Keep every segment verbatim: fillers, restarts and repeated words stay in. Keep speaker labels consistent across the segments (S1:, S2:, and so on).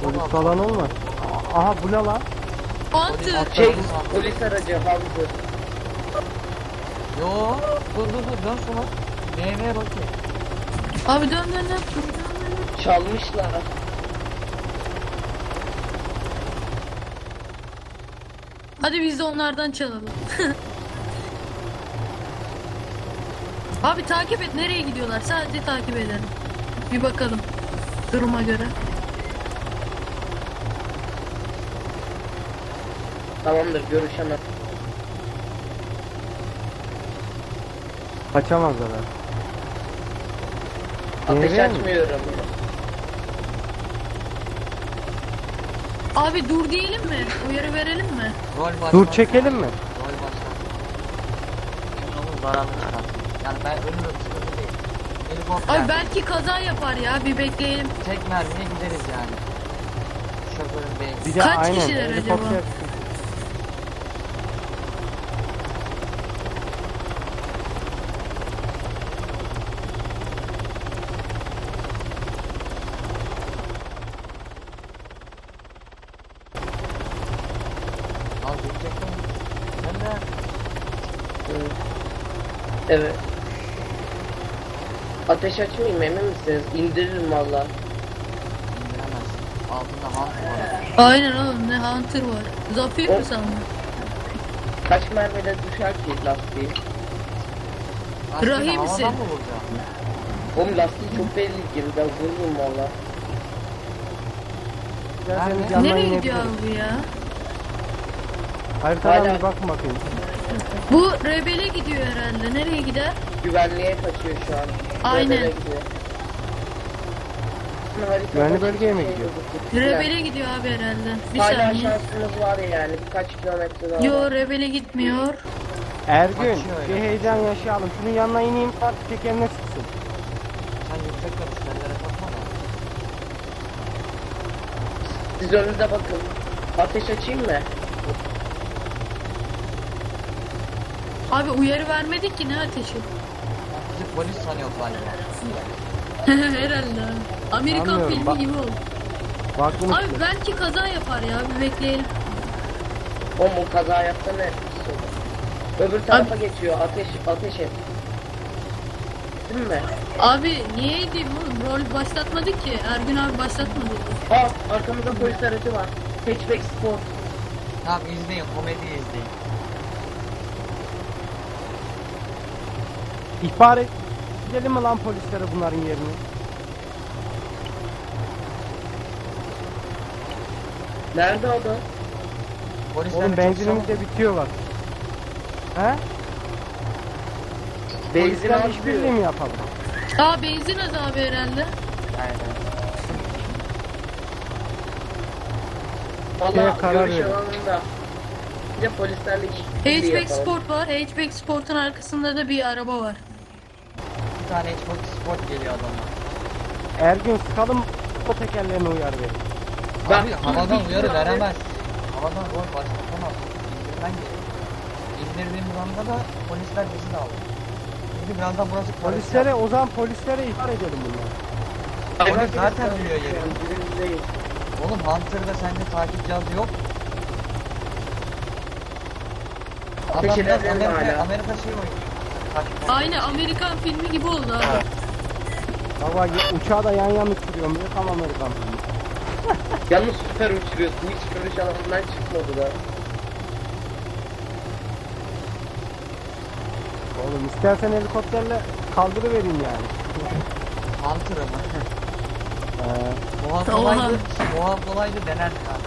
S1: Polis falan olmaz. Aha bu ne lan?
S2: Hunter.
S3: Şey, polis aracı Hunter.
S4: Yo, dur dur dur dön sola. Neye bakayım.
S2: Abi dön dön dön. Dur, dön, dön.
S3: Çalmışlar.
S2: Hadi biz de onlardan çalalım. Abi takip et, nereye gidiyorlar? Sadece takip edelim. Bir bakalım duruma göre.
S3: Tamamdır, görüşemez.
S1: Kaçamazlar ha.
S3: Ateş
S1: Nereye mi?
S3: açmıyorum.
S2: Abi dur diyelim mi? Uyarı verelim mi?
S4: Rol başla.
S1: Dur çekelim mi?
S4: Rol başla. Emin olun zararlı çıkar. Yani ben ölürüm sıkıntı değil. Helikopter.
S2: Ay belki kaza yapar ya, bir bekleyelim.
S4: Tek mermiye gideriz yani. Şoförün beyin.
S1: Bir de
S2: Kaç
S1: aynen
S2: kişiler
S1: helikopter.
S2: acaba?
S4: Al gidecektim. Sen de
S3: Hı. Evet. Ateş açmayayım, emin misiniz? İndiririm valla.
S4: indiremezsin. Altında Hunter var.
S2: Aynen oğlum, ne Hunter var. Zafer mi
S3: O-
S2: sandın?
S3: Kaç mermide düşer ki lastiği?
S4: Lastiğini
S2: Rahimsin.
S4: havadan mı vuracağım?
S3: Oğlum lastiği çok belli gibi, ben vururum valla.
S1: İsterseniz
S4: Nerede?
S1: yandan
S2: Nereye gidiyor
S1: inebiliriz.
S2: abi bu ya?
S1: Haritadan
S3: Hala-
S1: bir bakın bakayım.
S2: Bu rebele gidiyor herhalde. Nereye gider?
S3: Güvenliğe kaçıyor şu an.
S2: Aynen.
S3: Rebele gidiyor. Haritada
S1: Güvenli
S3: hiçbir
S1: bölgeye mi
S3: şey
S1: gidiyor?
S3: yok.
S2: Rebele gidiyor abi herhalde. Bir
S3: Hala
S2: saniye.
S3: şansımız var yani, birkaç kilometre daha
S2: Yo,
S3: var.
S2: rebele gitmiyor.
S1: Ergün
S4: Kaçıyor
S1: bir
S4: öyle.
S1: heyecan yaşayalım. Şunun yanına ineyim bak tekerine sıksın.
S4: Sen yüksek kapışlarlara bakma da.
S3: Siz önünüze bakın. Ateş açayım mı?
S2: Abi uyarı vermedik ki, ne ateşi?
S4: Bizi polis sanıyor galiba.
S2: Herhalde. Amerikan
S1: Anlıyorum,
S2: filmi
S1: bak-
S2: gibi oldu.
S1: Baktım
S2: Abi
S1: işte.
S2: belki kaza yapar ya, bir bekleyelim.
S3: O mu kaza yapsa ne etkisi olur? Öbür tarafa geçiyor. Ateş ateş et. Değil mi?
S2: Abi niye edeyim oğlum? Rol başlatmadık ki. Ergün abi başlatmadı.
S3: Aa, arkamızda polis aracı var. Hatchback Sport.
S4: Tamam izleyin, komedi izleyin.
S1: İhbar et. Gidelim mi lan polislere bunların yerini?
S3: Nerede o da?
S4: Polisler
S1: Oğlum
S4: çok
S1: benzinimiz
S4: çabuk-
S1: de bitiyor bak. He?
S3: Benzin
S1: Polisler
S3: az
S1: işbirliği
S3: diyor.
S1: mi yapalım?
S2: Aa, benzin az abi herhalde.
S4: Evet, evet.
S3: Valla
S1: karar
S3: görüş
S1: verin.
S3: alanında. Bir de polislerle işbirliği
S2: Hatchback
S3: yapalım.
S2: Sport var. Hatchback Sport'un arkasında da bir araba var.
S4: Bir tane Xbox Sport geliyor adamlar.
S1: Ergün sıkalım o tekerlerine uyar verin.
S3: Bak,
S4: Abi havadan
S3: dur,
S4: uyarı
S3: dur,
S4: veremez. Havadan rol başlatamaz. İndirmen gerekiyor. İndirdiğimiz anda da polisler bizi de alır. Çünkü birazdan burası
S1: Polislere o zaman polislere ihbar edelim bunları.
S4: Polis zaten biliyor yeri.
S3: Birinci
S4: Oğlum Hunter'da sende takip cihazı yok. Adam
S3: Ateş
S4: biraz
S3: edelim
S4: Amerika,
S3: hala.
S4: Amerika şey oynuyor. Takip
S2: Aynı Amerikan filmi gibi oldu abi.
S1: Baba uçağı da yan yan uçuruyorum diyor tam Amerikan filmi.
S3: Yalnız süper uçuruyorsun. Hiç görüş alanından çıkmadı da.
S1: Oğlum istersen helikopterle kaldırıvereyim yani.
S4: Hunter'ı mı?
S1: Ee,
S4: Boğa
S2: Oha.
S4: kolaydı, boğa kolaydı denerdik abi.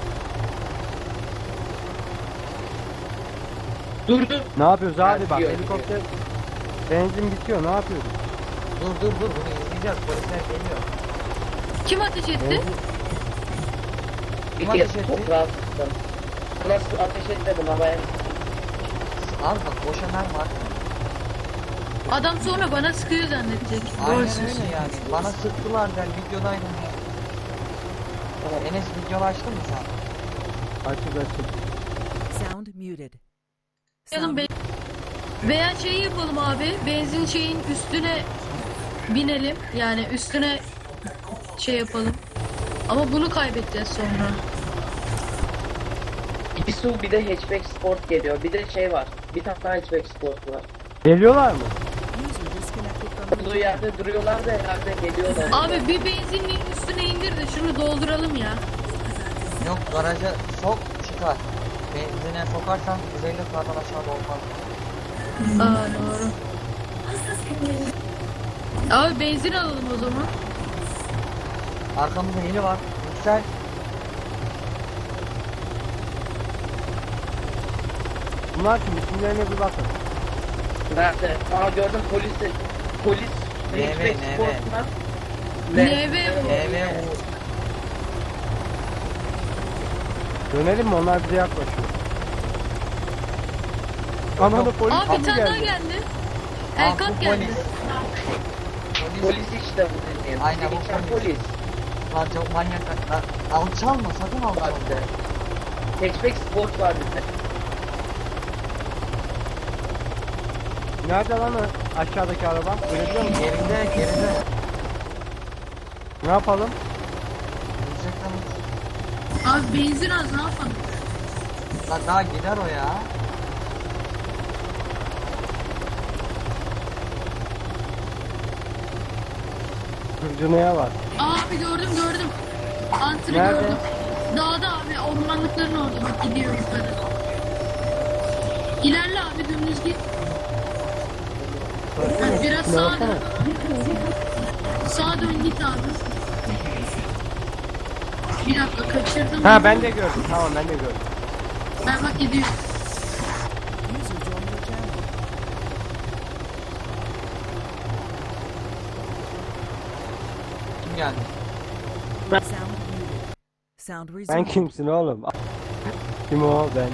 S3: Dur dur.
S1: ne yapıyoruz abi
S3: Ha,
S1: bak
S3: diyor,
S1: helikopter benzin bitiyor ne yapıyoruz?
S4: Dur dur dur bunu izleyeceğiz, polisler geliyor.
S2: Kim ateş etti?
S1: Benzin,
S3: Bir
S4: Ateş
S3: kez
S4: etti.
S3: toprağa sıktım. Nasıl ateş etmedim havaya.
S4: Abi bak boşa mermi atma.
S2: Adam sonra bana sıkıyor zannedecek.
S4: Aynen
S2: Rolsüz.
S4: öyle yani. Bana sıktılar der videodaydım ya. Enes videonu açtın mı sen?
S1: açık açık.
S5: Sound muted.
S2: Yazın
S5: Sound
S2: be- Veya şey yapalım abi. Benzin şeyin üstüne binelim. Yani üstüne şey yapalım. Ama bunu kaybedeceğiz sonra.
S3: İsu bir de hatchback sport geliyor. Bir de şey var. Bir tane daha hatchback sport var.
S1: Geliyorlar mı?
S5: User disconnected from the
S3: Olduğu
S5: channel.
S3: yerde duruyorlar da herhalde geliyorlar.
S2: Abi bir benzinliğin üstüne indir de şunu dolduralım ya.
S4: Yok garaja sok çıkar. Benzine sokarsan yüz elli kardan aşağıda olmaz.
S2: Aa doğru. Abi benzin alalım o zaman.
S4: Arkamızda heli var. Yüksel.
S1: Bunlar kim? İsimlerine bir bakın.
S3: Nerede? Aa gördüm polisi. Polis
S4: Ne ve,
S3: hatchback
S4: ne
S3: sport
S4: ve?
S3: var.
S2: N V bu.
S4: E V
S1: Dönelim mi? Onlar bize yaklaşıyor. Ananı polis
S2: Abi bir
S1: kapı
S2: tane daha
S1: geldi.
S2: geldi.
S4: Aa,
S2: Elkat
S4: bu
S2: geldi.
S4: polis. Polis.
S3: Polis işte bu dediğim.
S4: Aynen, bu
S3: Geçen
S4: polis.
S3: polis.
S4: Lan çok manyak. Lan alçalma sakın
S3: Var
S4: alçalma.
S3: bir de. Hatchback sport var bir de.
S1: Nerede lan o aşağıdaki araba? Görebiliyor musun?
S4: Geride geride.
S1: Ne yapalım?
S4: Yüksekten uç.
S2: Abi benzin az ne yapalım?
S4: Lan daha gider o ya.
S1: Kırcınaya var.
S2: Abi gördüm gördüm. Antri
S1: Nerede?
S2: gördüm. Dağda abi ormanlıkların orada bak gidiyor yukarı. İlerle abi dümdüz git. Ha, biraz
S1: Ne
S2: sağa
S1: yapsana?
S2: dön. Sağa dön git abi. Bir dakika kaçırdım.
S1: Ha ben de gördüm. Tamam ben de gördüm.
S2: Ben bak gidiyor.
S5: User joined your channel.
S4: Kim geldi?
S5: Sound muted. Sound
S1: Sen
S5: resumed.
S1: kimsin oğlum? Kim o? Ben.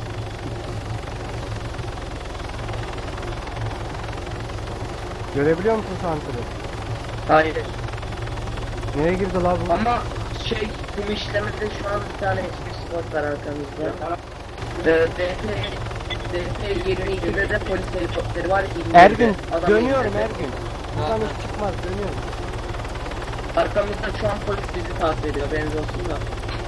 S1: Görebiliyor musun Santr'ı?
S3: Hayır.
S1: Nereye girdi la bu?
S3: Ama şey kum işlemede şu an bir tane hatchback sport var arkamızda. Ee, D P yirmi ikide de polis helikopteri var. İndirdi.
S1: Ergün
S3: Adam
S1: dönüyorum
S3: indirdi.
S1: Ergün. Buradan hiç çıkmaz dönüyorum.
S3: Arkamızda şu an polis bizi takip ediyor. Benzi olsun da.